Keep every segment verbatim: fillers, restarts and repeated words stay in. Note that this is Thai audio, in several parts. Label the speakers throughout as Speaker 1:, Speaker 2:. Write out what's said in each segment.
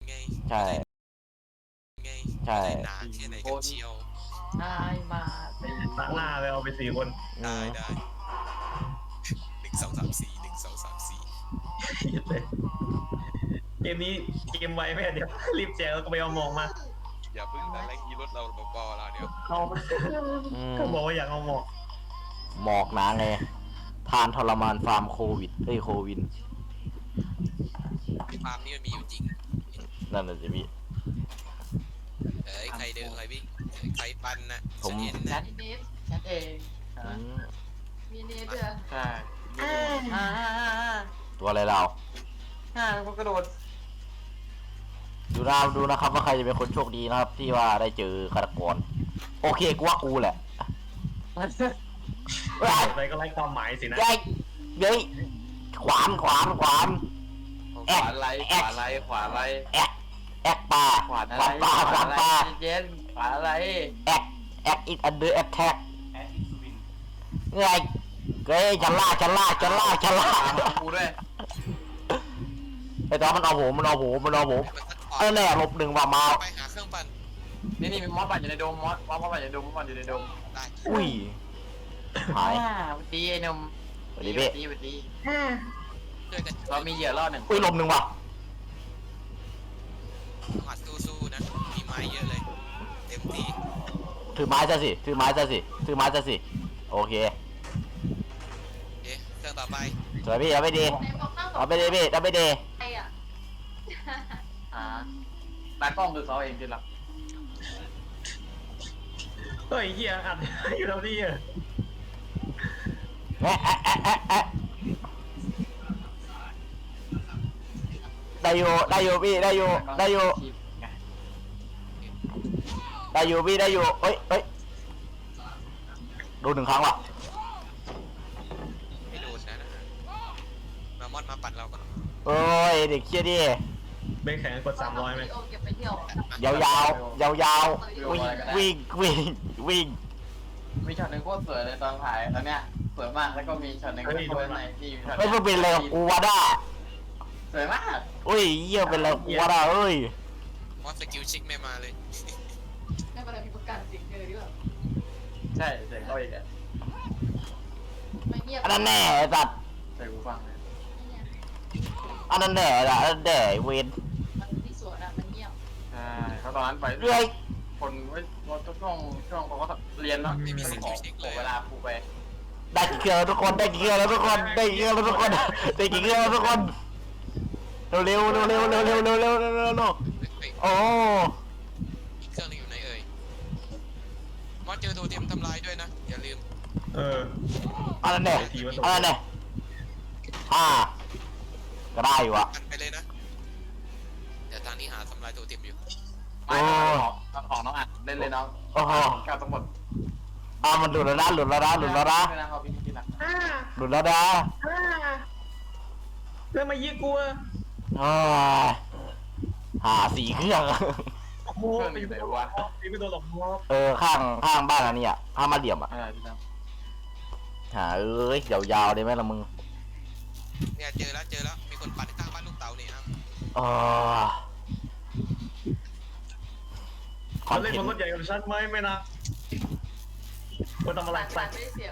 Speaker 1: ไง
Speaker 2: ใช่
Speaker 1: ไง
Speaker 2: ใช่
Speaker 1: หนาแค่ไหนกันเชียว
Speaker 3: ได้มาสี่
Speaker 4: ตัดหน้าไปเอาไปสี่คน
Speaker 1: ได้ได้หนึ่งสองสามสี่หนึ่งสองสามสี่
Speaker 4: เลยเกมนี้เกมไวไหมเดี๋ยวรีบแจกแล้วก็ไปเอามองมา
Speaker 1: อย่าเพิ่งแต่แรงยีรถเราเบาๆเราเดี๋ยว
Speaker 4: เอา
Speaker 2: อืม
Speaker 4: ก็บอกว่าอยากเอาหมอก
Speaker 2: หมอกหนาไงทานทรมานฟาร์มโควิดเฮ้ยโควิน
Speaker 1: ฟาร์มนี่มันมีอยู่จริง
Speaker 2: นั่นแหละสิพี่
Speaker 1: เอ้ยใครเดินใครวิ่งใครปันนะ
Speaker 2: ผม
Speaker 1: ฉันเห็น
Speaker 3: แช
Speaker 1: นะ
Speaker 3: ทนิดแชทเอง
Speaker 2: อืม
Speaker 5: มีเนเธอร์
Speaker 3: ใช่อ่า
Speaker 2: ตัวอะไรเรา
Speaker 3: อ่าก็กระโดด
Speaker 2: ดูนะดูนะครับว่าใครจะเป็นคนโชคดีนะครับ ที่ว่าได้เจอฆาตกรโอเคกูว่ากูแหละเฮ้ย
Speaker 4: อะไรก็ไล่ความหมายสินะ
Speaker 2: เฮ้ยเฮ้ยขวานขวานขวาน
Speaker 3: ขวาไล่ขวาไล่ขวาไล่
Speaker 2: แอกแอกปลา
Speaker 3: ขวาอะไร
Speaker 2: ปลาขวานปลา
Speaker 3: เย็นขวาอะไร
Speaker 2: แอกแอกอีกอันเดอร์แอคแท็กเฮ้ยเฮ้ยฉันล่าฉันล่าฉันล่าฉันล่า
Speaker 3: กูด้วย
Speaker 2: ไอ้ตอนมันเอาผมมันเอาผมมันเอาผม
Speaker 1: มัน
Speaker 2: เออแน่ลบหนึ่งว่ามา
Speaker 1: ไปหาเครื่องปั่น
Speaker 3: นี่นี่มีมอสปั่นอยู่ในโดมมอสมอสปั่นอยู่ในโดมมอสปั่นอยู่ในโดม
Speaker 1: ได้
Speaker 2: อุ้ยหาย
Speaker 3: อ่าสวัสดีไอ้หนุ่ม
Speaker 2: สวัสดีพี่
Speaker 3: สวัสดี
Speaker 1: ช่วยกัน
Speaker 3: เรามีเหยื่อรอดหนึ่ง
Speaker 2: อุ้ยลบหนึ่งว่ะ
Speaker 1: หัดสู้ๆนะมีไม้เยอะเลยเต็มที่
Speaker 2: ถือไม้ซะสิถือไม้ซะสิถือไม้ซะสิโอเค
Speaker 1: เอ๊ะเครื่องต่อไป
Speaker 2: สวยพี่เอาไปดี
Speaker 5: ในบอกนั่ง
Speaker 2: เอาไปดีพี่เอาไปดี
Speaker 5: ใครอ่ะ
Speaker 3: อ่าตากล้องคือเขาเองที่รัก
Speaker 4: เฮ้ยเฮียอัดอยู่ตรงนี้อ่ะ
Speaker 2: แอะแอะแอะแอะแอะได้อยู่ได้อยู่พี่ได้อยู่ได้อยู่ได้อยู่พี่ได้อยู่เอ้ยเอ้ยดูหนึ่งครั้งว่ะ
Speaker 1: ไม่โดนนะมามอดมาปั่นเราก่อน
Speaker 2: โอ้ยเด็กเชี่ยดิ
Speaker 4: เบนแข็งกดสามร้อยไหม
Speaker 5: โอเก็บไปเที่ยว
Speaker 2: ยาวยาวยาวยาววิ่งวิ่งวิ่งวิ่ง
Speaker 3: มีช็อตหนึ่งโคตรสวยเลยตอนถ่ายตอนเนี้ยสวยมากแล้วก็มีช็อตหนึ่งที่โคตรในที่ช็อต
Speaker 2: ไม่เป็นไรกูวาด้า
Speaker 3: สวยมาก
Speaker 2: อุ้ยเยี่ยเป็นไรกูวาด้าเอ้ย
Speaker 1: มอสสกิลชิกไม่มาเลย
Speaker 5: ไม่เป็นไรมีประกันจริงเลยดีกว่า
Speaker 3: ใช่เสียงเขาอีกอ่ะ
Speaker 5: ไม่เงียบ
Speaker 2: อันนั้นแน่ไอ้สัตว์
Speaker 3: ใส่กูฟังเลย
Speaker 2: อันนั้นแน่ละอันนั้นแน่เวน
Speaker 5: มันที่สวนอ่ะมันเงียบ
Speaker 3: ใช่เขาตอนนั้นไป
Speaker 2: เรื่อย
Speaker 3: คนไว้ช่วงช่วงเขาก็เรียนเนาะ
Speaker 1: ไม่มีส
Speaker 3: ข
Speaker 1: กิ
Speaker 3: อ
Speaker 1: ลชิกเลย
Speaker 3: เวลาครูไป
Speaker 2: ได้กี่เครื่องแล้วทุกคนได้กี่เครื่องแล้วทุกคนได้กี่เครื่องแล้วทุกคนได้กี่เครื่องแล้วทุกคนเร็วเร็วเร็วเร็วเร็วเร็วเร็วเร็วเร็วเร็วเร็ว
Speaker 1: เฮ้ย
Speaker 2: โอ้
Speaker 1: อีกเครื่องนึงอยู่ไหนเอ่ยมอสเจอโทเทมทำลายด้วยนะอย่าลืม
Speaker 4: เออ
Speaker 2: อันนั้นแน่อันนั้นแน่ห้าก็ได้อยู่อะ
Speaker 1: ปั่นไปเลยนะเดี๋ยวทางนี้หาทำลายโทเทมอยู่
Speaker 3: ไม่ของของน้องอัดเล่นเลยน้อง
Speaker 2: โอ้โห
Speaker 3: กาวทั้งหมด
Speaker 2: อ่ะมันหลุดแล้วนะหลุดแล้วนะหลุดแล้วนะ
Speaker 3: ไม่นะเขาพี่พี่นะ
Speaker 4: อ่า
Speaker 2: หลุดแล้วนะ
Speaker 4: อ่าเรื่องมายิงกูอ่ะ
Speaker 2: โอ้ยหาสี่เครื่อง
Speaker 4: โอ้โหตีไม่โดนหรอกตีไม่โดนหรอกมอก
Speaker 2: เออข้างข้างบ้านอันนี้อ่ะข้างมาเหลี่ยมอ่ะ
Speaker 3: เออพี่นะ
Speaker 2: หาเอ้ยยาวๆได้ไหมล่ะมึง
Speaker 1: เนี่ยเจอแล้วเจอแล้วมีคนปั่นข้างบ้านลูกเต๋าเนี่ยครับ
Speaker 2: อ๋อคอ
Speaker 4: มัน น
Speaker 2: เท
Speaker 4: เล่น
Speaker 2: น
Speaker 4: บนรถ
Speaker 2: ต์
Speaker 4: ใหญ่กับฉันไหมไม่นะคนทำอะไร
Speaker 5: ใส่
Speaker 4: ใส่
Speaker 5: ไม่ได้เสียบ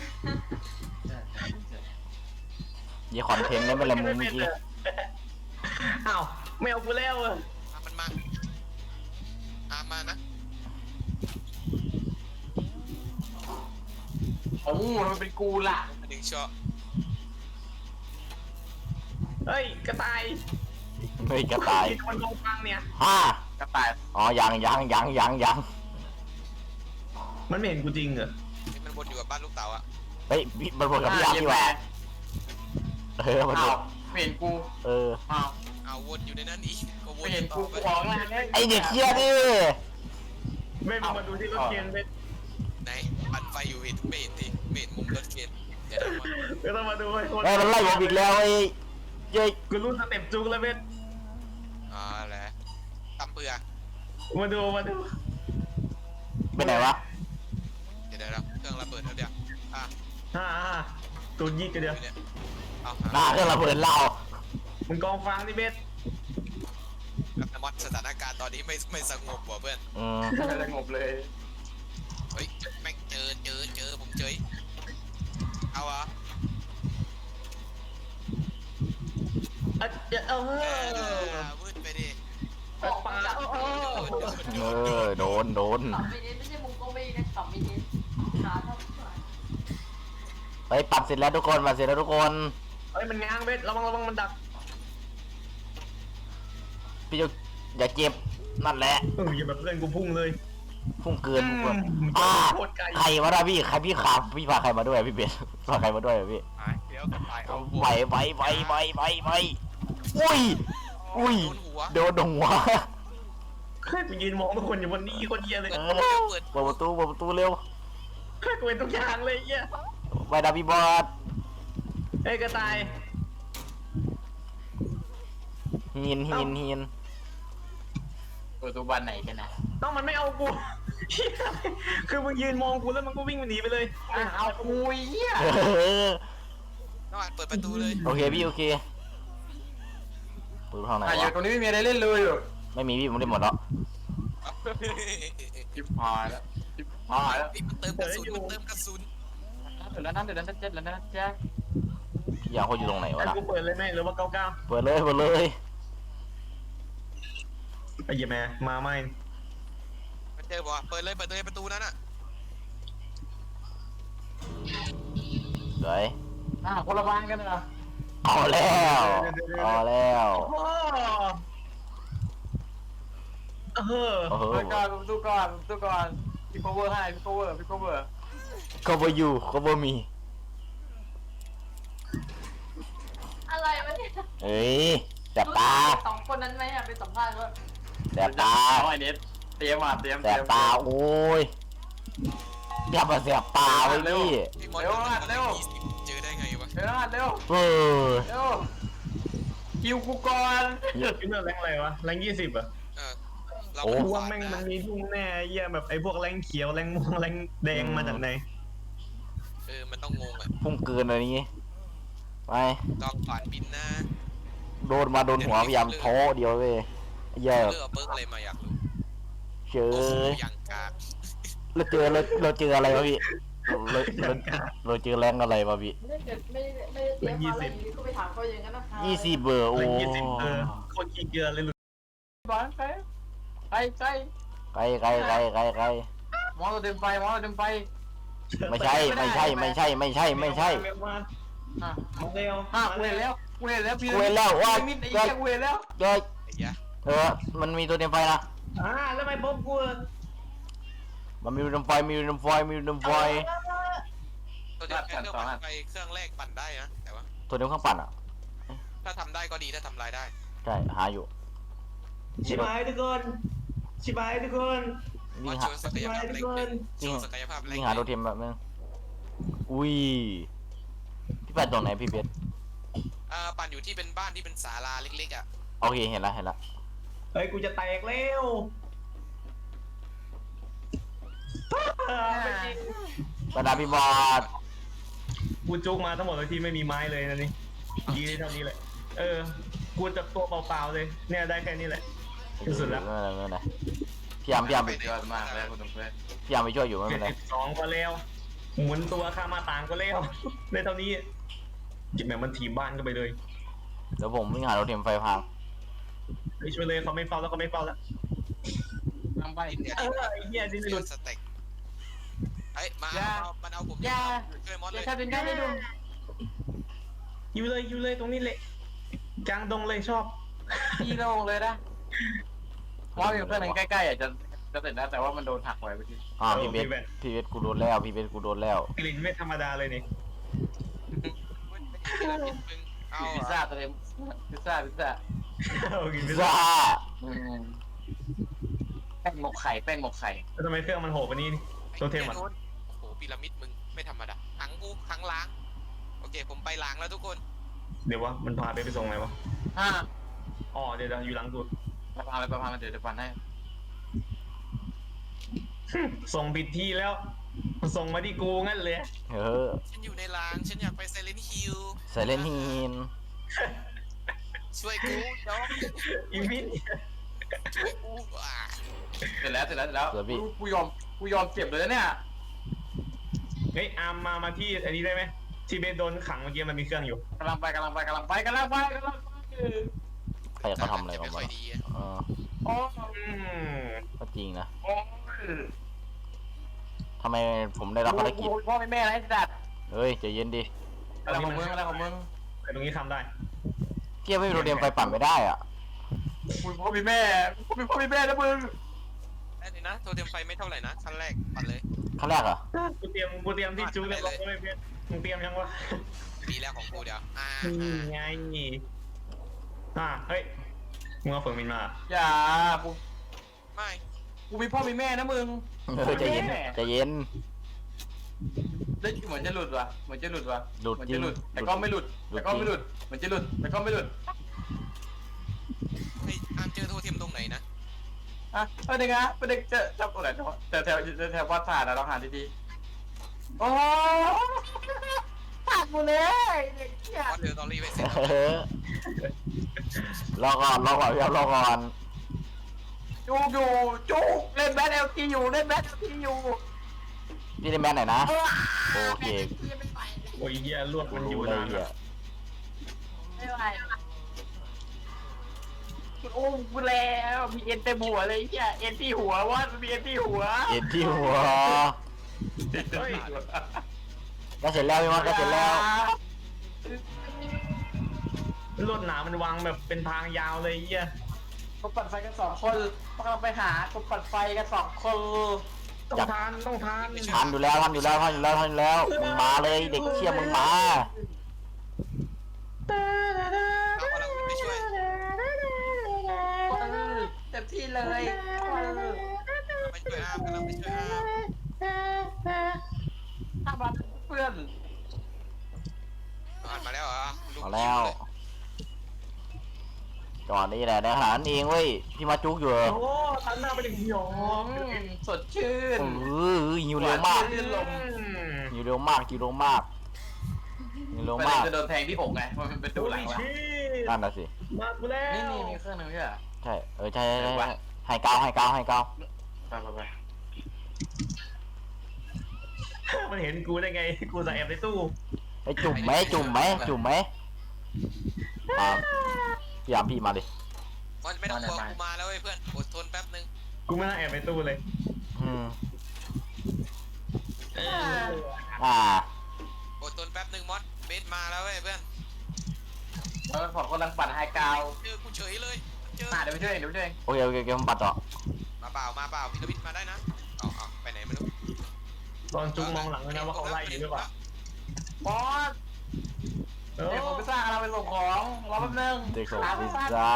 Speaker 2: ยี่คอนเทนต์ได้ไหมล่ะมึงเมื่อกี้
Speaker 4: อ้าวไม่เอากูแล้วอ่ะ
Speaker 1: อ่ะมันมาอามานะ
Speaker 3: โอ้มันเป็นกูล่ะ
Speaker 1: หนึ่งช็อต
Speaker 4: เฮ้ยกระต่าย
Speaker 2: เฮ้ยกระต่าย
Speaker 4: กินมันกองฟังเนี่ย
Speaker 2: ห้าก
Speaker 3: ระต่าย
Speaker 2: อ๋อยังยังยังยังยัง
Speaker 4: มันไม่เห็นกูจริงเหรอ
Speaker 1: นี่มันวนอยู่กับบ้านลูกเต๋าอ่ะ
Speaker 2: เฮ้ยพี่มันวนกับพี่อาร์พี่ว่ะเออมันว
Speaker 3: อ้าวน ไม่เห็นกู
Speaker 2: เออ
Speaker 3: อ้าว
Speaker 1: เอาวนอยู่ในนั้นอีกก็ว
Speaker 3: ไม่
Speaker 1: น
Speaker 3: เห็น
Speaker 1: ต่
Speaker 3: กู
Speaker 1: อไป
Speaker 3: กูออกงาน
Speaker 2: ไอเด็กเคี้ยดิ
Speaker 4: ไม่มึงมาดูที่รถเกียนเว้ย
Speaker 1: ไหนปั่นไฟอยู่เห็นไม่เห็นดิไม่เห็นมุมรถเข็นเดี๋ยวนะ
Speaker 4: ก็ต้องมาดูไอ้คน
Speaker 2: ไอ้ยมันไล่ผมอีกแล้วไอ้เย้ย
Speaker 4: กูรู้สเต็ปจุกแล้วเว้ย
Speaker 1: อ๋อแหละตำเปือ
Speaker 4: มาดูมาดู
Speaker 1: เ
Speaker 2: ไปไหนวะ
Speaker 1: เดี๋ยวเดี๋ยวเครื่องระเบิดแล้วเดี๋ยวอ่ะ
Speaker 4: ฮ่าฮ่าตัวยี่กันเดียว
Speaker 1: เนี่ยเอา
Speaker 2: หน้าเครื่องระเบิดเรา
Speaker 4: มึงกองฟังนี่เบส
Speaker 1: แล้วกันมอดสถานการณ์ตอนนี้ไม่ไม่สงบว่ะเพื่อน
Speaker 2: อืม
Speaker 3: ไม่สงบเลย
Speaker 1: เฮ้ยแม่งเจอเจอเจอผมเจอเอาเหรอ
Speaker 4: อ่ะเดี๋ยวเอ
Speaker 1: เอ
Speaker 4: อ
Speaker 1: อวืดไปดิ
Speaker 5: ออกมาจาก
Speaker 4: เออ
Speaker 2: เออโดนโดน
Speaker 5: สามมินิไม่ใช่มุงโกเบนะสามมินิขาเท่าไหร่
Speaker 2: ไปปัดเสร็จแล้วทุกคนปัดเสร็จแล้วทุกคน
Speaker 4: เฮ้ยมันง้างเบ็ดระวังระวังมันดัก
Speaker 2: พี่จะอย่าเจ็บนั่นแหละ
Speaker 4: เอออย่าแบบเพื่อนกูพุ่งเลย
Speaker 2: พุ่งเกินพุ่งเกิน
Speaker 4: อืม
Speaker 2: อ่า
Speaker 4: โคตรไกล
Speaker 2: ใครวะนะพี่ใครพี่ขาพี่พาใครมาด้วยพี่เบสพาใครมาด้วยอะพี่
Speaker 1: หายเดี๋ยวก็ตายเอา
Speaker 2: ไปไปไปไปไปไปอุ้ยอุ้ย
Speaker 1: โดนหัว
Speaker 2: โดนหัว
Speaker 4: เฮ้ยกูยืนมองทุกคนอยู่บนนี้คนเยียเลย
Speaker 2: เอ
Speaker 1: เปิ
Speaker 2: อ
Speaker 1: ดเปิด
Speaker 2: เปิดประตูเปิดประตูเร็ว
Speaker 4: เฮ้ยกูเป็นทุกอย่างเลยเยีย
Speaker 2: ไปดาพี่บอส
Speaker 4: เฮ้ยกระต่าย
Speaker 2: หินหินหิน
Speaker 3: ประตูบานไหนกันนะ
Speaker 4: ต้องมันไม่เอากูเหี้ยคือมึงยืนมองกูแล้วมันก็วิ่งหนีไปเลย
Speaker 3: อ่ะเอาคุยเหี้ย
Speaker 2: เออ
Speaker 1: น้องอ่านเปิดประตูเลย
Speaker 2: โอเคพี่โอเคเปิดห้องไหน
Speaker 3: อ่ะอยู่
Speaker 2: วะ
Speaker 3: ตรงนี้ไม่มีอะไรเล่นเลยอยู่
Speaker 2: ไม่มีพี่ผมได้หมดแล้ว
Speaker 3: จิบหายแล้วจิบหายแล้ว
Speaker 1: มันเติมกระสุนมันเติมกระสุน
Speaker 3: เดี๋ยวนั้นเดี๋ยวนั้นเจ็ดแล้วนะจ๊ะ
Speaker 2: พี่ยางเขาอยู่ตรงไหนวะ
Speaker 4: ให้
Speaker 2: ล่ะ
Speaker 4: กูเปิดเลยไหมหรือว่าเก้าเก้า
Speaker 2: เปิดเลยเปิดเลย
Speaker 4: ไอ้เหี้ยแม่มาไม่
Speaker 1: มันเจอบ่เปิดเลยเปิดเลยประตูนั้นอ่ะ
Speaker 2: สวย
Speaker 3: อ่ะคนละบ้านกันนะ
Speaker 2: เอาแล้วเอาแล้ว
Speaker 4: โอ้เออ
Speaker 2: โอ้โห
Speaker 3: เปิดก่อนประตูก่อนประตูก่อนพี่ cover ให้พี่ cover พี่ cover
Speaker 2: ก็บ่อยู่ก็บ่มี
Speaker 5: อะไรวะเนี่ย
Speaker 2: เอ้ยแสบตา
Speaker 5: สองคนนั้นไหมอ่ะไปสัมภาษณ์ว่า
Speaker 2: แสบตา
Speaker 3: เอาไอ้เน็ตเตรียมมาเตรียม
Speaker 2: แสบตาโอ้ยอย่ามาแสบตาไว้พี่
Speaker 1: พี่มอสยี่สิบเจอได้ไงวะ
Speaker 3: เร็วเร็ว
Speaker 2: เออ
Speaker 3: เร็วคิวกูก่อน
Speaker 4: คิดว่าแรงอะไรวะแรงยี่สิบอ่ะ
Speaker 1: เออเรา
Speaker 2: โอ้
Speaker 4: กูว่าแม่งมันมีทุ่งแน่เยี่ยแบบไอ้พวกแรงเขียวแรงม่วงแรงแดงมาจากไหน
Speaker 1: เออมันต้องงงอ่ะ
Speaker 2: พุ่งเกินอะไรนี้ไป
Speaker 1: ต้องผ่านบินนะ
Speaker 2: โดนมาโดนหัวพยายามโท้เดียวเว้ยเยอะ
Speaker 1: เลือกเปิร์กอะไรมาอยากรู้
Speaker 2: เจอ
Speaker 1: โอ้โหอย่างกาก
Speaker 2: เราเจอเราเราเจออะไรวะพี่เราเราเราเจอแรงอะไรวะพี่
Speaker 5: ไม่ได้เกิดไม่ได้ไม่ได้เตรียมมาอะไรอยู่ดีก็ไปถามเขาอย่างนั้นนะคะ
Speaker 2: ยี่สิบเบอร์โอ้
Speaker 4: แรงยี่สิบเออโคตรขี้เกียจเลยหลุด
Speaker 3: บอลไปไปไป
Speaker 2: ไกลไกลไกลไกลไกล
Speaker 3: มองเราเดินไปมองเราเดินไป
Speaker 2: ไม่ใช่ไม่ใช่ไม่ใช่ไม่ใช่ไม่ใช่
Speaker 4: มา
Speaker 3: อ่ะ
Speaker 4: มาเร็ว
Speaker 3: อ่ะกูเห็นแล้วกูเห็นแล้วพี่
Speaker 2: กูเห็นแล้วว่า
Speaker 3: มิดไอ้เหี้ยกูเห็นแล้ว
Speaker 2: เย้ย
Speaker 1: ไอ้ยะ
Speaker 2: เออมันมีตัวเต็มไฟนะ
Speaker 4: อ่าแล้วไม่พบกู
Speaker 2: มันมีตัวเต็มไฟมีตัวเต็มไฟมีตัวเต็มไฟ
Speaker 1: ตัวเดียวเครื่องปั่นไฟเครื่องแรกปั่นได้นะแต่ว่า
Speaker 2: ตัวเต็มเครื่องปั่นอ่ะ
Speaker 1: ถ้าทำได้ก็ดีถ้าทำลายได้
Speaker 2: ใช่หาอยู่
Speaker 4: ชิบหายทุกคนชิบหายทุกคน
Speaker 1: มอ
Speaker 2: วิ่ง
Speaker 1: โช
Speaker 2: หา
Speaker 1: ว์ศักยภาพแรงหนึ่งโชว์ศักยภาพแรง
Speaker 2: วิ่งหาตัวเต็มแบบนึงอุ้ยพี่ปั่นตรงไหนพี่เบส
Speaker 1: อ่าปั่นอยู่ที่เป็นบ้านที่เป็นศาลาเล็กๆอ่ะ
Speaker 2: โอเคเห็นแล้วเห็นแล้ว
Speaker 4: เฮ้ยกูจะแตกแล้ว
Speaker 2: บรรดาพี่บอส
Speaker 4: กูจุกมาทั้งหมดเลยที่ไม่มีไม้เลยนะนี่ดีเท่านี้แหละเออกูจับตัวเปล่าๆเลยเนี่ยได้แค่นี้แหละ ที่สุดแล้ว
Speaker 2: ไม่เป็นไรไม่เป็นไรพี่ยามพี่ยาม
Speaker 3: ยอดมากเลยคุณเพื่อน
Speaker 2: พี่ยามไปช่วยอยู่ไม่
Speaker 4: เจ็
Speaker 2: เป็
Speaker 4: ด
Speaker 2: นไร
Speaker 4: สิบสองก็แล้วหมุนตัวข้ามาต่างก็แล้วในเท่านี้จิบแม่งมันถีบบ้านก็ไปเลย
Speaker 2: เดี๋ยวผมวิ่งหาตัวเต็มไฟพัง
Speaker 4: ไปช่วยเลยเขาไม่เฝ้าแล้วเขาไม่เฝ้าแล้ว
Speaker 3: ทำไป
Speaker 1: เนี่ย
Speaker 4: เออไอ้เหี้ยดิ้นห
Speaker 1: เลื
Speaker 4: ลุ
Speaker 1: อ
Speaker 4: ด
Speaker 1: ดสเต็กเอ้ยมา
Speaker 3: อย่า
Speaker 1: เอามันเอาผม
Speaker 3: อย่า
Speaker 1: ช่วยมอส
Speaker 3: อ
Speaker 1: เล
Speaker 3: ย่าย ทำเป็นได้ไม่ดู
Speaker 4: อยู่เลยอยู่เลยตรงนี้เลยกลางดงเลยชอบ
Speaker 3: พี่โล่งเลยนะว่ามีเพื่อนใกล้ๆอ่ะจะจะเสร็จแล้วแต่ว่ามันโดนหักไว้เมื่อกี้
Speaker 2: อ่าพี่เบสพี่เบสกูโดนแล้วพี่เบสกูโดนแล้ว
Speaker 4: กลิ่นไม่ธรรมดาเลยนี่
Speaker 1: เอา
Speaker 3: พิซซ่าตัวเองพิซซ่าพิซซ่า
Speaker 4: เอากิน
Speaker 2: พิ
Speaker 4: พิ
Speaker 2: ซ
Speaker 4: ซซ่า
Speaker 2: ซ่า
Speaker 3: แป้งหมกไข่แป้งหมกไข่
Speaker 4: แล้วทำไมเครื่องมันโหดกว่านี้นี่ตัวเทมอ่ะ
Speaker 1: โอ้โหพีระมิดมึงไม่ธรรมดาหังกูหังล้างโอเคผมไปล้างแล้วทุกคน
Speaker 4: เดี๋ยววะมันพาไปไปส่งไหนวะ
Speaker 3: อ่า
Speaker 4: อ๋อเดี๋ยวเดี๋ยวอยู่หลังตัว
Speaker 3: ไปพาไปพามาเดี๋ยวจะปันให้
Speaker 4: ส่งผิดที่แล้ว ส่งมาที่กูงั้นเลย
Speaker 2: เออ
Speaker 1: ฉันอยู่ในล้างฉันอยากไปไซเลนฮิล
Speaker 2: ไซเลนฮีน
Speaker 1: ช่วยกูเนาะ
Speaker 4: อีวิน
Speaker 3: เสร็จแล้วเสร็จแล้วเสร็จแล้ว
Speaker 2: เสือพี่
Speaker 3: กูกูยอมกูยอมเจ็บเลยนะเนี่ย
Speaker 4: เฮ้ยอาร์มมามาที่อันนี้ได้ไหมที่เบสโดนขังเมื่อกี้มันมีเครื่องอยู่
Speaker 3: กำลังไปกำลังไปกำลังไปกำลังไปกำลังไป
Speaker 2: ใครเขาทำอะไรกัน
Speaker 1: ไม่ค่
Speaker 2: วะ
Speaker 1: อยดีอะ
Speaker 2: เออ
Speaker 3: โอ้
Speaker 4: อืม
Speaker 2: ก็จริงนะ
Speaker 3: โอ้
Speaker 2: ทำไมผมได้รับภารกิจ
Speaker 3: พ่อแม่อะไรสัตว์
Speaker 2: เฮ้ยใจเย็นดิ
Speaker 3: อะไรของมึงอะไรของมึง
Speaker 4: ไอ้ตรงนี้ทำได้
Speaker 2: เกียร์ไม่มีโรเดียมไฟปั่นไม่ได้อ่ะ
Speaker 3: มึงพ่อมีแม่มึงมีพ่อมีแม่นะมึง
Speaker 1: ได้เลยนะโทรเตรียมไฟไม่เท่าไหร่นะขั้นแรกปัดเลย
Speaker 2: ขั้นแรกเหรอ
Speaker 4: กูเตรียมกูเตรียมที่จูเรียบร้อยเลยเพื่อนมึงเตรียมยังวะ
Speaker 1: ดีแล้วของกูเดี๋ยวอ่า
Speaker 4: นี่
Speaker 1: อ่า
Speaker 4: ไงอ่าเฮ้ยมึงเอาเฟิร์มินมา
Speaker 3: อย่ากู
Speaker 1: ไม่
Speaker 3: กูมีพ่อมีแม่นะมึง
Speaker 2: เออใจเย็นใจเย็น
Speaker 3: ได้เหมือนจะหลุดว่ะเหมือนจะหลุดว่ะ
Speaker 2: หลุด
Speaker 3: เหมือน
Speaker 2: จริ
Speaker 3: จะ
Speaker 2: ง
Speaker 3: หลุดแต่ก็ไม่หลุด
Speaker 2: หลุด
Speaker 3: แต่ก็ไม่หลุดเหมือนจะหลุดแต่ก็ไม่หลุด
Speaker 1: ไอ้อาร์มเจอโทรเทียมตรงไหนนะ
Speaker 3: อ่ะประเด็นนะประเด็นจะจะตรงไหนแต่แถวแถววัดศาสตร์อะเราหาดีๆโอ้ตัดหมดเลยเด็กเหี้ย
Speaker 1: วัดเรือตอรี่ไปเสร็จ
Speaker 2: เออรอก่อนรอก่อนพี่ครับรอก่อน
Speaker 3: จูอยู่จูเล่นแบทเอลทีอยู่เล่นแบทเอลทีอยู่
Speaker 2: พี่ได้แมนไหนนะ โอเค
Speaker 4: โอ้ยเหี้ยลวด
Speaker 2: กู
Speaker 4: มันอยู่
Speaker 2: รู้เลย
Speaker 4: นาน
Speaker 2: เฮีย
Speaker 4: อะ
Speaker 5: ไม่ไหว
Speaker 3: โอ้กูแล้วมีเอ็นเต็มหัวเลยเฮียเอ็นที่หัววะมีเอ็นที่หัว
Speaker 2: เอ็นที่หัว
Speaker 4: เฮ้ย
Speaker 2: ก็เสร็จแล้วพี่มอสก็เสร็จแล้ว
Speaker 4: ลวดหนามันวางแบบเป็นทางยาวเลยเหี้ย
Speaker 3: กูปั่นไฟกันสองคนกำลังไปหากูปั่นไฟกันสองคน
Speaker 4: ต้องทานต้องทาน
Speaker 2: ทันอยู่แล้วทันอยู่แล้วทันอยู่แล้วทันอยู่แล้วมึงมาเลยเด็กเชี่ยมึงมา
Speaker 1: เอากำลังไปช่วย
Speaker 3: เต็มที่เลย
Speaker 1: ไปช่วยอาร์มกำลังไปช่วยอาร์ม
Speaker 3: ถ้ามาเพื่อน
Speaker 1: อ่านมาแล้วเหรอลูก
Speaker 2: มาแล้วจอดนี่แหละในขนาดนั้นเองเว้ยพี่มาจุกอยู่เหรอ
Speaker 4: โอ้ตันหน้าไปถึงหยอง
Speaker 3: สดชื่น
Speaker 2: เออหิวเร็วมาก
Speaker 3: ลื่นลม
Speaker 2: หิวเร็วมากหิวเร็วมากหิวเร็ว
Speaker 3: ประ
Speaker 2: มา
Speaker 3: เด็น
Speaker 2: ก
Speaker 3: จะโดนแทงที่อกไงมันเป็นดูหลัง
Speaker 4: โอ้ย
Speaker 3: วะ
Speaker 4: ชี
Speaker 2: นั่นน่ะสิ
Speaker 4: มากูแล้ว
Speaker 3: นี่นี่มีเครื่องนึงใช่ไหม
Speaker 2: ใช่เออใช่ใช่ใช่ใช่ให้เกาให้เกาให้เกา
Speaker 3: ไปไปไป
Speaker 4: มันเห็นกูได้ไงกูจะแอบในตู้
Speaker 2: ไอ้จุ่มไหมจุ่มไหมจุ่มไหมตามพี่ยามพี่มาดิ
Speaker 1: มันไม่ต้องกลัวกูมาแล้วเว้ยเพื่อนอดทนแป๊บนึง
Speaker 4: กูไม่น่าแอบในตู้เลย
Speaker 2: อืม
Speaker 4: เออ
Speaker 2: อ่า
Speaker 1: อดทนแป๊บนึงมอสเบสมาแล้วเว้ยเพื่อน
Speaker 3: แล้วผมกำลังปั่นไฮกราว
Speaker 1: เจอกูเฉยเลยเจอ
Speaker 3: อ่ะเดี๋ยวไปช่วยเองเดี๋ยวไปช่วยเอง
Speaker 2: โอเคโอเคโอเคผมปัดต่อ
Speaker 1: มาเปล่ามาเปล่าพีระมิดมาได้นะเอาเอาไปไหนไม่รู้
Speaker 4: ตอนจุกมองหลังเลยนะว่าเขาไล่อยู่หรือเปล่า
Speaker 3: บอส
Speaker 4: เออ
Speaker 3: เดี๋ยวผมไปสร้างอะไรไปส่งของรอแป๊บนึง
Speaker 2: เด็กส่ง
Speaker 3: หา
Speaker 2: พิ
Speaker 3: พิ
Speaker 2: ซ
Speaker 3: ซซ่า
Speaker 2: ซ่า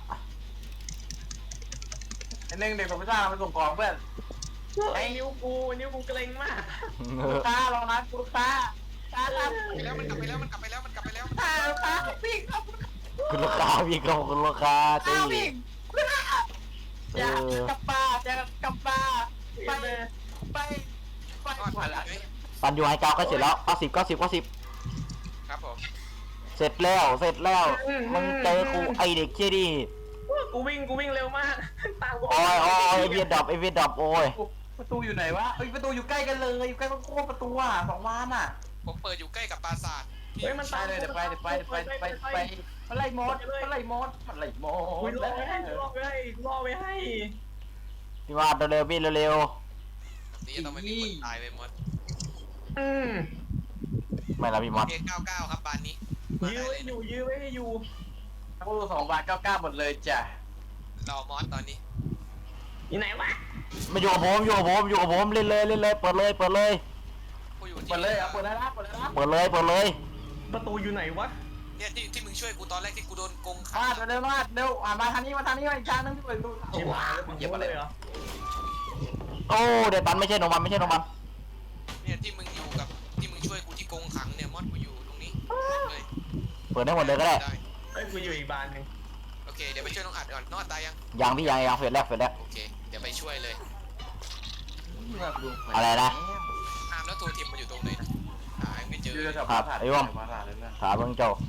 Speaker 3: ไอ้หนึ่งเด็กผมไปสร้างอะไรไปส่งของเพื่อน
Speaker 4: ไอ้นิ้วกูนิ้วกูเกร็งมาก
Speaker 3: ลูกค้ารอนะลูกค้าค้าครับ
Speaker 1: ไปแล้วมันกลับไปแล้วมันกลับไปแล้วมันกลับไปแล้ว
Speaker 3: ค้าลูกค้าวิ่งครับ
Speaker 2: คุณลูกค้าพี่ก็คุณลูกค้า
Speaker 3: ค้า
Speaker 2: ตี
Speaker 3: วิ่ง
Speaker 2: เอ
Speaker 3: จะ
Speaker 2: อก
Speaker 3: ลับป่าจะกลับป่าไปไปไป
Speaker 1: มอส
Speaker 3: ผ่าน
Speaker 1: มา
Speaker 3: ละ
Speaker 1: เลย
Speaker 2: ปันอยู่ไฮเกาก็เสร็จแล้วเก้าสิบเก้าสิบเก้าสิบ
Speaker 1: ครับผม
Speaker 2: เสร็จแล้วเสร็จแล้วมึงเจอกูไอเด็กเชี่ยดิ
Speaker 4: กูวิ่งกูวิ่งเร็วมากตามกู
Speaker 2: โอ้ยโอ้ยไอเวียดดับไอเวียดดับโอ้ย
Speaker 3: ประตูอยู่ไหนวะเอ้ยประตูอยู่ใกล้กันเลยอยู่ใกล้โค้งประตูอ่ะสองล้านอ่ะ
Speaker 1: ผมเปิดอยู่ใกล้กับปราสาท
Speaker 4: เฮ้ยมัน
Speaker 3: ไปเลยเดี๋ยวไปเดี๋ยวไปเดี๋ยวไปเดี๋ยวไปเดี๋ยวไปมันไล่มดมันไล่มดมันไล่ม
Speaker 4: กู
Speaker 3: ด
Speaker 4: รอไว้ให้กูรอไว้ให้กูรอไว้ให้
Speaker 2: พี่มาเร็วๆพี่เร็ว
Speaker 1: นี่ต้องไม่มีคนตายไปหมด
Speaker 4: อืม
Speaker 2: ๆไม่ละพี่มอส
Speaker 1: เอเก้าเก้าครับบานนี้มา
Speaker 4: ยื้
Speaker 1: ได้
Speaker 4: อ
Speaker 1: เล
Speaker 4: ไว้
Speaker 1: ย
Speaker 4: อยู่ยื้อไว้ให้อยู่
Speaker 3: ทั้งรูสองบาทเก้าเก้าหมดเลยจ้ะ
Speaker 1: รอมอสตอนนี้
Speaker 4: อยู่ไหนวะ
Speaker 2: มาอยู่กับผมอยู่กับผมอยู่กับผมเล่นเลยเล่นเลยเปิดเลยเปิดเลย
Speaker 1: กูอยู่ที่
Speaker 3: เปิดเลยอ่ะเปิดได้ละเปิดได้ละ
Speaker 2: เปิดเลยเปิดเลย
Speaker 4: ประตูอยู่ไหนวะ
Speaker 1: เนี่ยที่ที่มึงช่วยกูตอนแรกที่กูโดนโกงขา
Speaker 3: มาเร็วมาเร็วอ่ะมาทางนี้มาทางนี้มาอีกทางนึงที่เปิดดู
Speaker 4: ชิบหายแล้วมึง
Speaker 3: เหยียบอะไร
Speaker 4: เลยเหรอ
Speaker 2: โอ้เดี๋ยวตันไม่ใช่โนมันไม่ใช่โนมัน
Speaker 1: เนี่ยที่มึงอยู่กับที่มึงช่วยกูที่โกงขังเนี่ยมอสกูอยู่ตรงนี้เลย
Speaker 2: เปิดได้หมดเลยก็ได้
Speaker 4: เฮ้ยกูอยู่อีกบานหนึ่ง
Speaker 1: โอเคเดี๋ยวไปช่วยน้องอัดก่อนน้องอัดตายยัง
Speaker 2: ยังพี่ยังยังเฟสแรกเฟสแรก
Speaker 1: โอเคเดี๋ยวไปช่วยเลย
Speaker 2: อะไรนะ
Speaker 1: อามแล้วตัวทีมมันอยู่ตรงไหนนะหาไม่เจอ
Speaker 3: อยู่แถว
Speaker 2: ครั
Speaker 3: ปรา
Speaker 2: บ
Speaker 3: สาท
Speaker 2: ไอ้ว่อม
Speaker 3: ปราสาทเลยนะ
Speaker 2: ถามเบิ่งเจ้า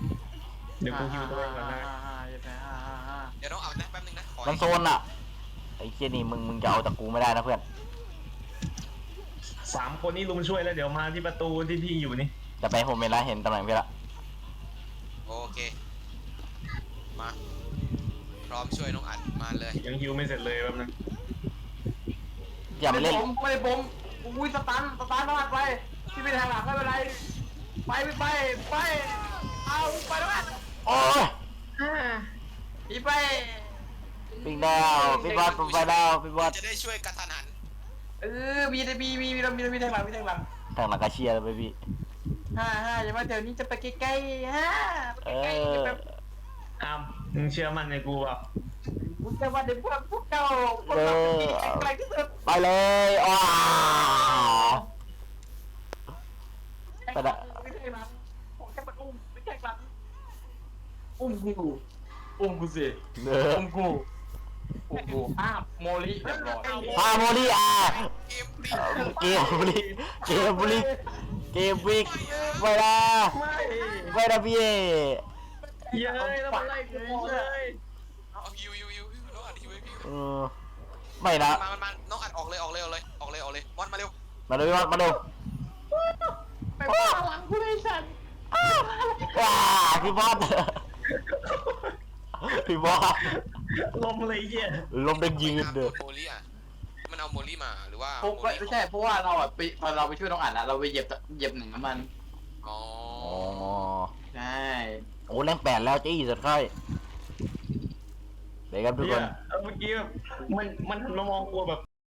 Speaker 4: เดี๋ยวกูอยู่ด้วยก่อนนะ
Speaker 1: เดี๋ยวน้องอัดนะแป๊บนึงนะขอ
Speaker 2: มันโซนอ่ะไอ้เชี่ยนี่มึงมึงจะเอาจากกูไม่ได้นะเพื่อน
Speaker 4: สามคนนี้ลุมช่วยแล้วเดี๋ยวมาที่ประตูที่พี่อยู่นี่
Speaker 2: จะไปโฮมเมนแล้วเห็นตำแหน่งพี่ละ
Speaker 1: โอเคมาพร้อมช่วยน้องอัดมาเลย
Speaker 4: ยังฮิวไม่เสร็จเลยแป๊บนึง
Speaker 2: อย่ามาเล่น
Speaker 3: ผมไม่ได้ผมอุ้ยสตันสตันน้องอัดไปที่ไปทางหลังไม่เป็นไรไปไปไปไปเอาไปน้องอัด
Speaker 2: โอ้ย
Speaker 3: อีไป
Speaker 2: ปิงดาวพี่บอสไปดาวพี่บอส
Speaker 1: จะได้ช่วยกระทันหัน
Speaker 3: เออมีมีมีมีมีมีทางหลังมีทางหลัง
Speaker 2: ทางหลังกาเชียร์เลยพี่
Speaker 3: ฮ่าฮ่าอย่ามาเดี๋ยวนี้จะไปใกล้ๆฮ่า
Speaker 2: เอ
Speaker 3: ใกล้ๆ
Speaker 2: อ
Speaker 3: จะแบบ
Speaker 4: อ้ามมึงเชื่อมั่นในกูเปล่า
Speaker 3: กูจะมาเดี๋ยวพวกพวกเจ้าพวก
Speaker 2: เอ
Speaker 3: เรา
Speaker 2: อ
Speaker 3: ที่แข็งแกร่งที่สุด
Speaker 2: ไปเลยอ้า
Speaker 3: ไปละไม่ใช่หลังผมแค่มาอุ้มไม่ใช่หลังอุ้มกูอุ้มกูสิ
Speaker 2: เด้อ
Speaker 3: อุ้มกูอุ้มกูอ้าวโมลิเรียบร้อย
Speaker 2: พาโมลี่อ่ะ
Speaker 1: เกมปรี
Speaker 2: เกมบุรีเกมบุรีเกมวิกไปละ
Speaker 4: ไม่
Speaker 2: ไปละพี่
Speaker 4: เย้ยแล้วมันไล่กูหมดเลย
Speaker 1: เอาฮิวฮิวฮิวฮิวน้องอัดฮิวให้พี่
Speaker 2: เออไม่นะ
Speaker 1: มามันมาน้องอัดออกเลยออกเลยออกเลยออกเลยออกเลยบอลมาเร็ว
Speaker 2: มาดูพี่บอสมาดู
Speaker 3: ไปว่าหลังกูได้ฉัน
Speaker 2: ว้าพี่บอสพี่บอส
Speaker 4: ลมเลยเหี้ย
Speaker 2: ลมดังยืน
Speaker 1: โด
Speaker 2: เด้อ
Speaker 1: โมลี่อ่ะมันเอาโมลี่มาหรือว่า
Speaker 3: ผมไม่ใช่เพราะว่าเราอ่ะไปตอนเราไปช่วยน้องอัดอะเราไปเหยียบเหยียบหนึ่งน้ำมัน
Speaker 1: อ๋อ
Speaker 2: อ๋อ
Speaker 3: ใช่
Speaker 2: โอ้แรงแปดแล้วจี้สุดค่อยเดี๋ยวครับทุกค
Speaker 4: เหี้ย
Speaker 2: น
Speaker 4: เออเมื่อกี้แบบมันมันหันมามองกูแบบ